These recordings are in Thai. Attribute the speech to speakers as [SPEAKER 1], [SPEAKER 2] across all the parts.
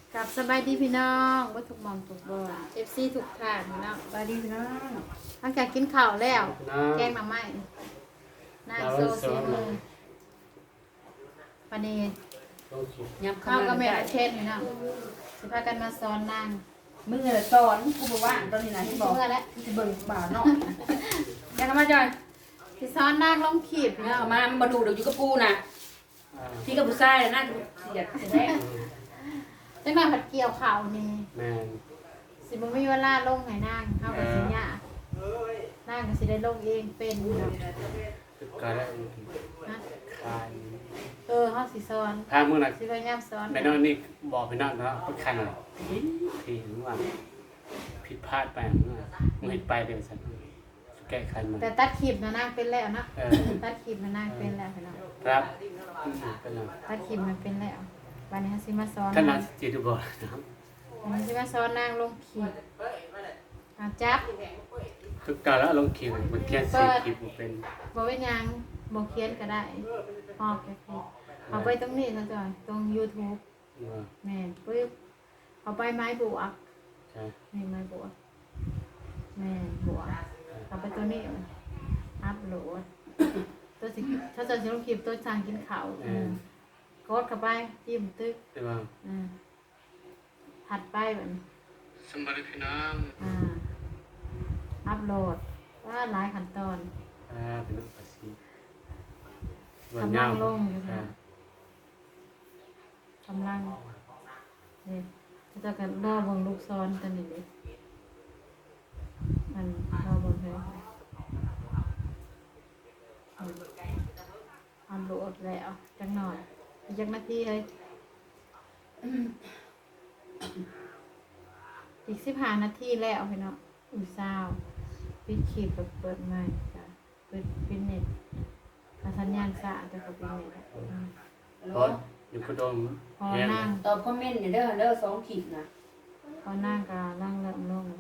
[SPEAKER 1] กับสบายดีพี่น้องว่าถูกมองถูกบอลFCถูกทางพี่น้องสบายดีพี่น้องหลังจากกินข้าวแล้วแกงหน่อไม้นางโซเซียมือวันนี้ข้าวก็แม่เทศพี่น้องสิพากันมาสอนนาง
[SPEAKER 2] มึงสอนกูบอกว่าตอนนี้นะที่บอก
[SPEAKER 1] เมื่อแล้ว
[SPEAKER 2] จะเบิ่งบ่าวเนาะยังทำมาจอย
[SPEAKER 1] สิสอนนางลงขีดพี่น้อง
[SPEAKER 2] เอามาดูเดี๋ยวอยู่กับกูนะที่กับผู้ชายน่าจะเสียดแท้
[SPEAKER 1] จังหวะผัดเกี่ยวข้าวนี่
[SPEAKER 3] แม่น
[SPEAKER 1] สิบ่มีเวลาลงให้นางเฮาก็สิยากนางก็สิได้ลงเองเป็นพี่น้อง
[SPEAKER 3] ตึกก็ได้
[SPEAKER 1] นะ
[SPEAKER 3] คาย
[SPEAKER 1] เฮาสิสอน
[SPEAKER 3] พามื้อน่ะ
[SPEAKER 1] สิพยายามสอน
[SPEAKER 3] แม่น้องนี่บอกพี่น้องนะว่าคันน่ะที่ว่าผิดพลาดไปมื้อมึงเฮ็ดไปเด้อซั่นแก้ไขมัน
[SPEAKER 1] แต่ตัดคลิปนะนางเป็นแล้วเนาะ
[SPEAKER 3] เออ
[SPEAKER 1] ตัดคลิปนะนางเป็นแล้วพี่น้อง
[SPEAKER 3] ครับเป็นแล้ว
[SPEAKER 1] ตัดคลิปมันเป็นแล้ววันนี้สิมาสอน
[SPEAKER 3] ท่าน
[SPEAKER 1] นา
[SPEAKER 3] น่าง สิดูบ่นะครับ
[SPEAKER 1] วันนี้สิมาสอนนางลงคลิปจับ
[SPEAKER 3] ตึกก็แล้วลงคิวมันเขียนสิคลิปบ่เป็น
[SPEAKER 1] บ่เป็นหยังบ่เขียนก็ได้พอกแค่คลิปเอาไปตรงนี้นะจอยตรง YouTube
[SPEAKER 3] ว่า
[SPEAKER 1] แม่นปึ๊บเอาไปไม้บวก
[SPEAKER 3] ใช่
[SPEAKER 1] นี่ไม้บวกแม่นบวกเอาไปตัวนี้อัพโหลดตัวสิถ้าจะลงคลิปตัวสั่งกินข้าวกดเข้าไปจิ้มตึก
[SPEAKER 3] แต่ว่า
[SPEAKER 1] ถัดไปแบบนี้
[SPEAKER 3] สมบัติพี่น้อง
[SPEAKER 1] อัพโหลดว่าหลายขั้นตอน
[SPEAKER 3] เป็นน้องภาษี
[SPEAKER 1] กำลังลงอยู่ค่ะกำลังเนี่ยจะกันรอบวงลูกซ้อนกันนี่เลยมันรอบวงเลยอัพโหลดแล้วจังหน่อยอีกจักนาทีเลยอีก15 นาทีแล้วพี่น้องอุ้ยเศร้าปิดคลิปแบบเปิดใหม่จ้ะปิดเน็ตสัญญาณสะแต่ก็ปิดเน็ต
[SPEAKER 3] เพราะอยู่กระดม
[SPEAKER 1] พอนั่ง
[SPEAKER 2] ตอบคอมเมนต์เนี่ยเด้อ2ขีดนะ
[SPEAKER 1] พอนั่งก็นั่งเริ่มลง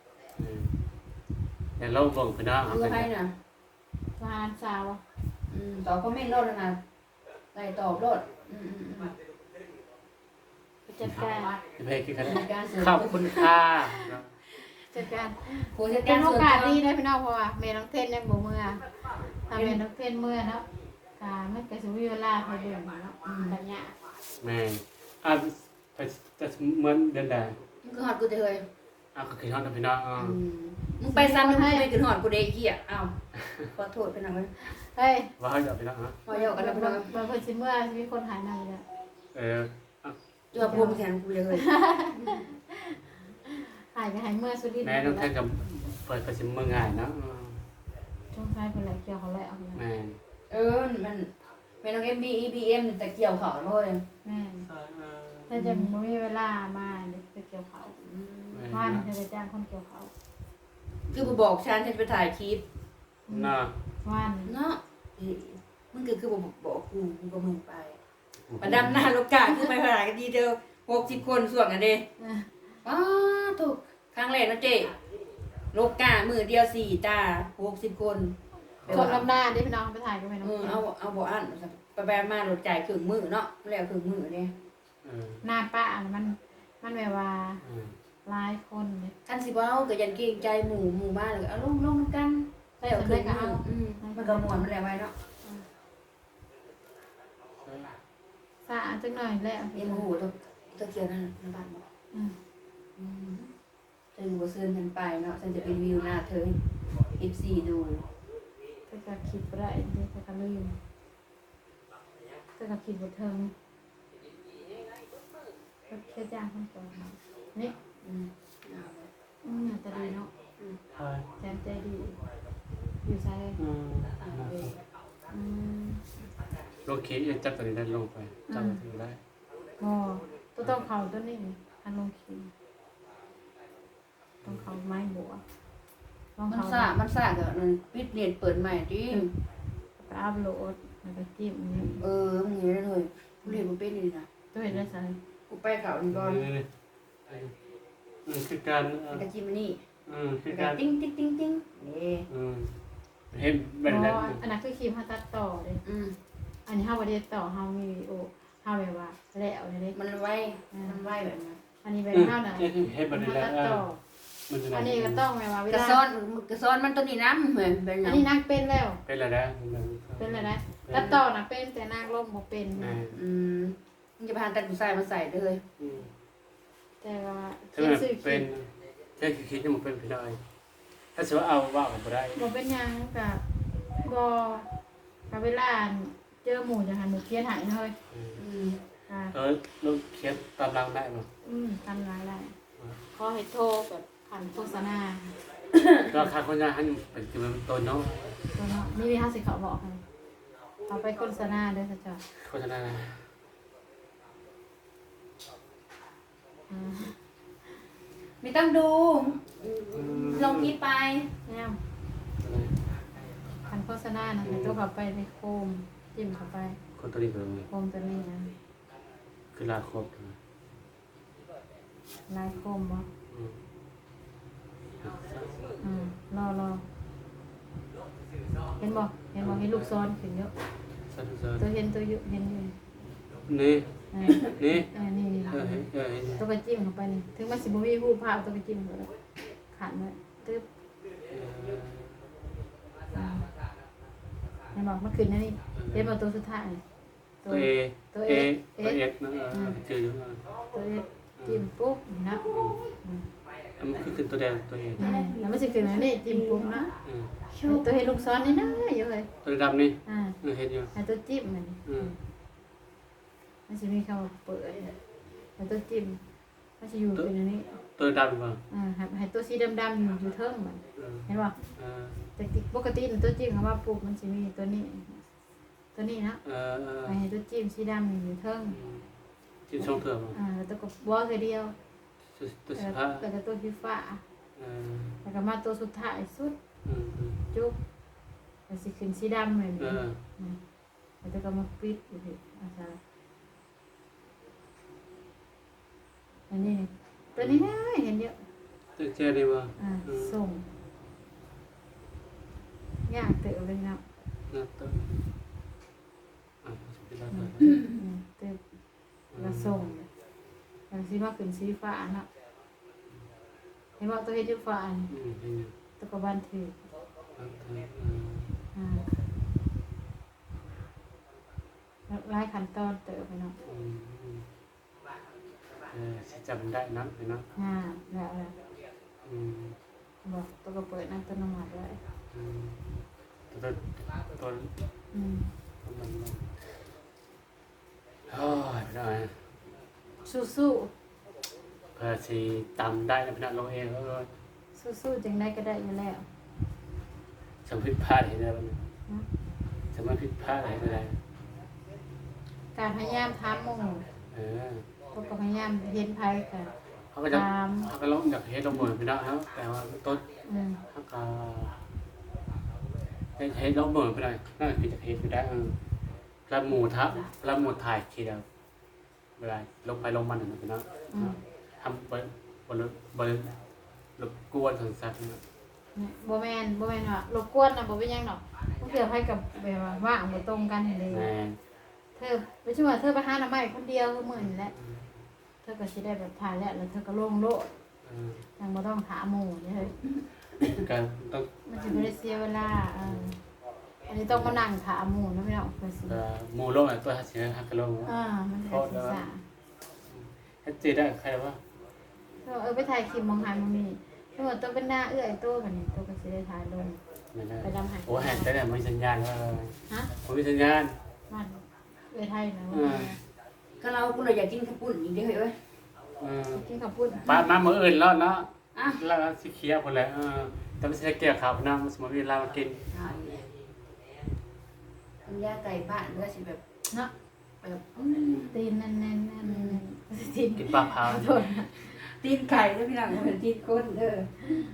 [SPEAKER 3] แต่เราเบิ่งพี่น้อง
[SPEAKER 2] คือให้น่ะ
[SPEAKER 1] ทหารสาว
[SPEAKER 2] ตอบคอมเมนต์รถนะได้ตอบรถ
[SPEAKER 1] จัดการ
[SPEAKER 3] จะไปคือกัน
[SPEAKER 2] การเสริม
[SPEAKER 3] ขอบคุณค่ะ
[SPEAKER 1] จัดการ
[SPEAKER 2] ผู้จัด
[SPEAKER 1] เป็
[SPEAKER 2] กาน ร
[SPEAKER 1] โอ
[SPEAKER 2] ส่วน
[SPEAKER 1] กาส
[SPEAKER 2] ตัว
[SPEAKER 1] ดีนะพี่น้องเพราะว่าเมย์น้องเทนยังบ่เมื่อถ้าเมย์น้องเทนเมื่อเนาะมันก็สิมีเวลาพอเดือนเนาะแบบเนี้ย
[SPEAKER 3] แม่ไปจะเหมือนเดินได้
[SPEAKER 2] มึงคือหอดกูจะเคย
[SPEAKER 3] ก็คือห้องพี่น้อง
[SPEAKER 2] มึงไปซ้ำมึงไม่คือหอดกูเด็กเหี้ยอ้าวขอโทษเป็นหนังเลย
[SPEAKER 1] เฮ้ย
[SPEAKER 3] ว่าเขาจะพี่น้องฮะ
[SPEAKER 2] พอเยากันแล้วพี่น้อง
[SPEAKER 1] บางคนสิเมื่อมีคนหายหน้าเลย
[SPEAKER 2] ตัวพูดแทนกูเลย
[SPEAKER 1] หายก็หายเมื่อสุดที่
[SPEAKER 3] แม่น้องแท่งกับเปิดประชิมเมืองง่ายนะ
[SPEAKER 1] ช่วงท้ายเป็นไรเกี่ยวเขาแล้ว
[SPEAKER 3] แม่
[SPEAKER 2] มันเป็นน้อง EBM แต่เกี่ยวเขาเลย
[SPEAKER 1] แม่ถ้าจะไม่มีเวลามาเดี๋ยวไปเกี่ยวเขาว่านจะไปจ้างคนเกี่ยวเขา
[SPEAKER 2] คือกูบอกฉันจะไปถ่ายคลิป
[SPEAKER 3] น่า
[SPEAKER 1] ว่าน
[SPEAKER 2] เนาะมึงคือบอกกูก็มึงไปประดำหน้าโลกาคือไปขนาดกันดีเดียว60 คนส่วนกันเด้ถูกครั้งแรกนะเจ๊โลกามือเดียว4 ตา60 คน
[SPEAKER 1] คนลำหน้าที่พี่น้องไปถ่ายก็ไม่น้อง
[SPEAKER 2] เอาบ่อันไปแบบมาโหลดจ่ายครึ่งมือเนาะแล้วครึ่งมือเนี่ย
[SPEAKER 1] หน้าป้ามันแบบว่าหลายคนเลย
[SPEAKER 2] คันสิเว้าก็ยันเกรงใจหมู่บ้านเลยเอาลงกันแล้วครึ่งมือมันก็ม่วนมันแล้วไว้เนาะ
[SPEAKER 1] สะอาดจังหน่อยแล้ว
[SPEAKER 2] เอ็มหูตัวเกียวนั่นบ้านบอกเธอบ่ซื้อฉันไปเนาะฉันจะเป็นวิวหน้าเธอ FC ดู
[SPEAKER 1] แต่ก็คิดบ่ได้เดี๋ยวก็ลืมแต่ก็คิดบ่ถึงก็แค่จ้างคนก่อนนี่แต่ดีเนาะแสนใจดีอยู่ใช่
[SPEAKER 3] ลงคีจับตัวนี้ได้ลงไปจับตัวได้
[SPEAKER 1] ตัวต้องเขาตัวนี้อันลงคีต้องเขาไม้บัว
[SPEAKER 2] มันซ่าเดี๋ยวมันปิดเน็ตเปิดใหม่ดิ
[SPEAKER 1] ไปอัพโหลดแล้วก็จิ้มนี่
[SPEAKER 2] มึงเห็นได้เลยกูเรียนมันเป็นนี่นะ
[SPEAKER 1] ตัวเห็นได้ใช่
[SPEAKER 2] กูไปเขานี่ก่อน
[SPEAKER 3] คือการ
[SPEAKER 2] กระจิ้มนี่
[SPEAKER 3] คือการ
[SPEAKER 2] ติ้งนี่
[SPEAKER 3] เห็นแบบนั้น
[SPEAKER 1] อันนั้นคือครีมเขาตัดต่อเลยอันนี้เขาประเดี๋ยวต่อเขามีวิดีโอเขาแบบว่าแล้วเลย
[SPEAKER 2] มันไวแบบนั้น
[SPEAKER 1] อันนี้แบบเท่าไหร่
[SPEAKER 3] เฮ็ดบ่ได้แล้ว
[SPEAKER 1] ตัดต่อ
[SPEAKER 3] มันจะ
[SPEAKER 1] อันนี้ก็ต้องแบบว่าเว
[SPEAKER 2] กระ
[SPEAKER 1] ลา
[SPEAKER 2] ซ้อนกระซ้อนมันตัวนี้น้ำเหมือนเป็นห
[SPEAKER 1] อั
[SPEAKER 2] ยั
[SPEAKER 1] น
[SPEAKER 2] ง
[SPEAKER 1] นี้นักเป็นแล้ว
[SPEAKER 3] เป็นแล้วนะ
[SPEAKER 1] เป็นอะไรนะตัดต่อนะเป็นแต่นางร่มบ่เป็น
[SPEAKER 2] มึงจะพาตัดผู้ชายมาใส่ได้เลย
[SPEAKER 1] แต่ว่า
[SPEAKER 3] ถ้ามันเป็นแค่คิดจะมันเป็นไปได้ถ้าสมมติเอาว่าก็บ่ได้
[SPEAKER 1] บ่เป็นหยังกับบ่กับเวลาเจอหมู่จะหันหนูเขียนใหายเลยค่ะ
[SPEAKER 3] เราเขียนตามรังได้บ่
[SPEAKER 1] ทำรายได้ขอให้โทรแบบผ่านโฆษณา
[SPEAKER 3] ก็ค่าคนงานให้เป็นคือมันต้นเนาะ
[SPEAKER 1] ตัวเนาะนี่มี50เขาบอกให้เอาไปโฆษณาเด้อจ้ะจ้ะ
[SPEAKER 3] โฆษณา
[SPEAKER 2] ไม่ต้องดูลงคลิปไป
[SPEAKER 1] แนมผ่านโฆษณานะให้ตัวเข้าไปในโคมจิ้มเข้าไป
[SPEAKER 3] คนตัวนี้ก็
[SPEAKER 1] โคมตัวนี้นะ
[SPEAKER 3] คือลาครบ
[SPEAKER 1] ลายโคมบ่รอเห็นบ่เห็นลูกซ้อนขึ้นเยอะ
[SPEAKER 3] สั้น
[SPEAKER 1] ตัวเห็นตัวอยู่เห็นอยู่
[SPEAKER 3] ๆนี่
[SPEAKER 1] นี่
[SPEAKER 3] นี่
[SPEAKER 1] นี่ ตัวกระจิ้มเข้าไปนี่ถึงมันสิบ่มีรูปภาพตัวกระจิ้มก็ได้ขันไว้ตึ๊บเห็นบ่มันขึ้นนะนี่เห็นบ่ตัวสุดท้าย
[SPEAKER 3] ตัวเอตัวเอนะชื่ออยู่
[SPEAKER 1] ตัวเอจิ้มปุ๊บนะ
[SPEAKER 3] มันคือตัวแดงตัวเอ
[SPEAKER 1] แล้วมันสิขึ้นนะนี่จิ้มปุ๊บนะตัวเห็นลูกซ้อนนี่นะอยู่เลย
[SPEAKER 3] ตัวดำนี่ เห็นอยู่
[SPEAKER 1] ให้ตัวจิ้มมันสิมีคำว่าเปิดให้ตัวจิ้มมันสิอยู่เป็นอันนี้
[SPEAKER 3] ตัวดำป่ะ
[SPEAKER 1] ให้ตัวสีดำๆอยู่เทิงมันเห็นป่ะแต่ปกติตัวจิ้มคำว่าปุ๊บมันจะมีตัวนี้นะให้ตัวจิ้มสีดำอยู่เทิง
[SPEAKER 3] จิ้มช่องเถื่อนป่ะ
[SPEAKER 1] แล้วตัวก็บอสเดียว
[SPEAKER 3] ตัวสิบห้า
[SPEAKER 1] แล้วก็ตัวฟีฟ้าแล้วก็มาตัวสุดท้ายสุดจุ๊บแล้วสิขึ้นสีดำเลยแล้วตัวก็มาปิดอยู่ที่อันนี้ตัวนี้นะเห็นเยอะ
[SPEAKER 3] ตัวเจดีป่ะ
[SPEAKER 1] ส่งยากเต๋อเลยนะ
[SPEAKER 3] ตัวเป็นอะไร
[SPEAKER 1] เต๋อแล้วส่งแล้วสีมาขึ้นสีฟ้าเนาะเห็นว่าตัวเฮ็ดอยู่ฟ้าตัวก็บันทึกหลายขั้นตอนเต๋อไปเนาะ
[SPEAKER 3] จำได้นะเนาะ
[SPEAKER 1] แล้วบอกตัวก็เปิดนั่งต้นน้ำมันไว้
[SPEAKER 3] ตัวมันโอ้ยไม่ได้
[SPEAKER 1] สู้
[SPEAKER 3] เพื่อสีตำได้นะพี่น้องลงเองก็
[SPEAKER 1] สู้จังได้ก็ได้อยู่แล้ว
[SPEAKER 3] สมผิดพลาดเห็นได้บ้างสมผิดพลาดเห็นได้
[SPEAKER 1] การพยายามถามหมู่ตัวก็พยายามเห็นภัยกัน
[SPEAKER 3] เขาก็จะเขาก็ลงจากเฮ็ดลงเหมือนพี่น้องครับแต่ว่าต้นเขาก็เฮ็ดลงเหมือนพี่น้องนั่นคือจากเฮ็ดไปได้แล้วหมูทับแล้วหมูถ่ายทีเดียวเวลาลงไปลงมันนะพี่น้องทำบนรบกวนสังสัตว์นะ
[SPEAKER 1] บ่แม่นว่ารบกวนน่ะบ่เป็นหยังดอกมันเกี่ยวให้กับแบบว่าว่างบ่ตรงกันเลย เธอไม่ใช่ว่าเธอไปหาหน่อไม้คนเดียวก็เหมือนแหละเธอก็สิได้แบบถ่ายแล้วเธอก็ลงโลดยังบ่ต้องถามหมู่นี่เฮ้ย
[SPEAKER 3] การต้อง
[SPEAKER 1] มันสิบ่ได้เสียเวลาอันนี้ต้องมานั่งถามหมู่นะพี่น้องเพิ่นสิ
[SPEAKER 3] หมูลงตัวหัดเสียหักกระลง
[SPEAKER 1] มันสิศึกษา
[SPEAKER 3] ให้เจได้ใครว่า
[SPEAKER 1] ไปถ่ายคลิปมองหาบ่มีเพิ่นว่าต้องเป็นหน้าเอื้อยโตบัดนี้โตก็สิได้ถ่ายลง
[SPEAKER 3] ไม่ได้
[SPEAKER 1] ไปลำหา
[SPEAKER 3] โอ้แหกแต่ไม่สัญญาณว่า
[SPEAKER 1] ฮะ
[SPEAKER 3] ผมมีสัญญาณ
[SPEAKER 1] มันเอื้อยไทยนะ
[SPEAKER 2] ก็เราคุณเราอยากกินข้าวปุ้นอีกเด้อเฮ้ย
[SPEAKER 1] กินข้าวปุ้น
[SPEAKER 3] ป้ามาเมื่ออื่นแล้วเนาะแล้วสิเคียคนแล้วแต่ไม่ใช่เกี่ยวข่าวนะมันสมมติเวลามากิน
[SPEAKER 2] คุณย่าไก่บ้านก็สิแบบ
[SPEAKER 1] เนาะ
[SPEAKER 2] แบบ
[SPEAKER 1] ตีนแน่นๆตีน
[SPEAKER 3] กินปลาเผา
[SPEAKER 1] โทษ
[SPEAKER 2] ตีนไก่แล้วพี่หลังเหมือนตีนก้นเด้อ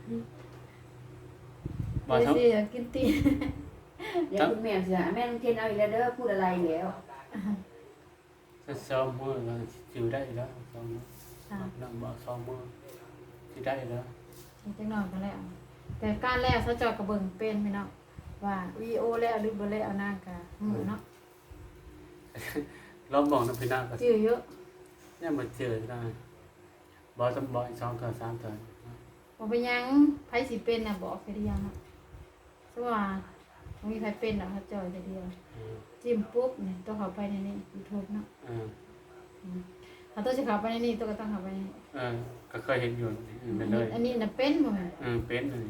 [SPEAKER 3] บ่ทั้ง
[SPEAKER 1] สิกินตีน
[SPEAKER 2] เดี๋ยวคุณแม่สิแม่ลุงเทนเอาอีกแล้วเด้อพูดอะไรแล้ว
[SPEAKER 3] จะซ้อมมือเราจิวได้แล้วซ้อมนั่งบ่ซ้อมมือที่ได้แล้ว
[SPEAKER 1] จังหน่อยก็แล้วแต่การแล้วเขาเจาะกระเบิงเป็นพี่น้องว่าวีโอแล้วหรือบ่แล้วนางกะเนาะ
[SPEAKER 3] เราบอกน้ำพี่นาก็
[SPEAKER 1] จื้อเยอะ
[SPEAKER 3] เนี่ยมาเจอได้บ่ต้องบ่อีก2เทื่อ3เทื่อ
[SPEAKER 1] บ่ไปยังไผสิเป็นน่ะบอกแค่เดียวนะสมมุติว่าบ่มีไผเป็นน่ะเขาจ่อยแค่เดียวจิ้มปุ๊บนี่ต้องเข้าไปในนี้ YouTube เนาะถ้าตัวสิเข้าไปในนี้ตัวก็ต้องเข้าไปในนี้
[SPEAKER 3] ก็เคยเห็นอยู่ไปเลย
[SPEAKER 1] อันนี้น่ะเป็นบ่แม่น
[SPEAKER 3] เป็นเลย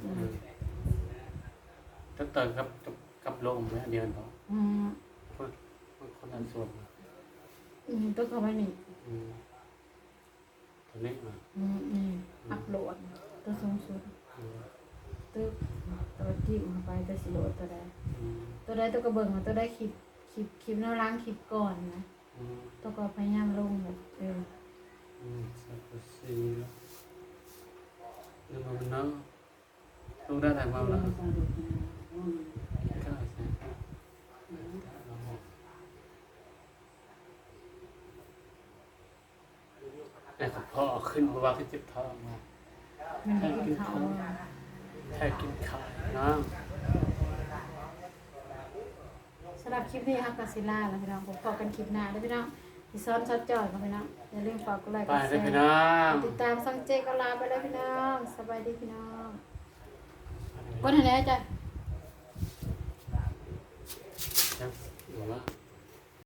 [SPEAKER 3] ถ้าเติมกับโลมเดียวกันพอ
[SPEAKER 1] อืม
[SPEAKER 3] คนนั้นส่วน
[SPEAKER 1] ต้องเข้าไปนี่
[SPEAKER 3] ตัวนี้มา
[SPEAKER 1] อัปโหลดตัวสูงสุดตึ๊บตัวจิ้มเข้าไปตัวสิโหลดตัวใดตัวใดตัวก็เบิ่งว่าตัวใดคลิปแนวล้างคลิปก่อนนะตัวก็พยายามลงแบบ
[SPEAKER 3] สักสีแล้วมันเนาะลงได้ไหนมาแล้วแต่พ่อขึ้นเพราะว่าขึ้นเจ็บท้องมา
[SPEAKER 1] มันได้กินข้าว
[SPEAKER 3] แค่กินข้าวนะ
[SPEAKER 1] สำหรับคลิปนี้ครับกาซิล่าแล้วพี่น้องผมพอกันคลิปหน้าแล้วพี่น้องที่ซ้อนช็อตจอยกับพี่น้องอย่าลืมฝากกดไลค์ก
[SPEAKER 3] ไป
[SPEAKER 1] ดแช
[SPEAKER 3] เลยพี่
[SPEAKER 1] ร์
[SPEAKER 3] น้อง
[SPEAKER 1] ติดตามซังเจก็ลาไปแล้วพี่น้องสบายดีพี่น้องกดให้แน่จ้ะ
[SPEAKER 3] ยังอยู่ว่า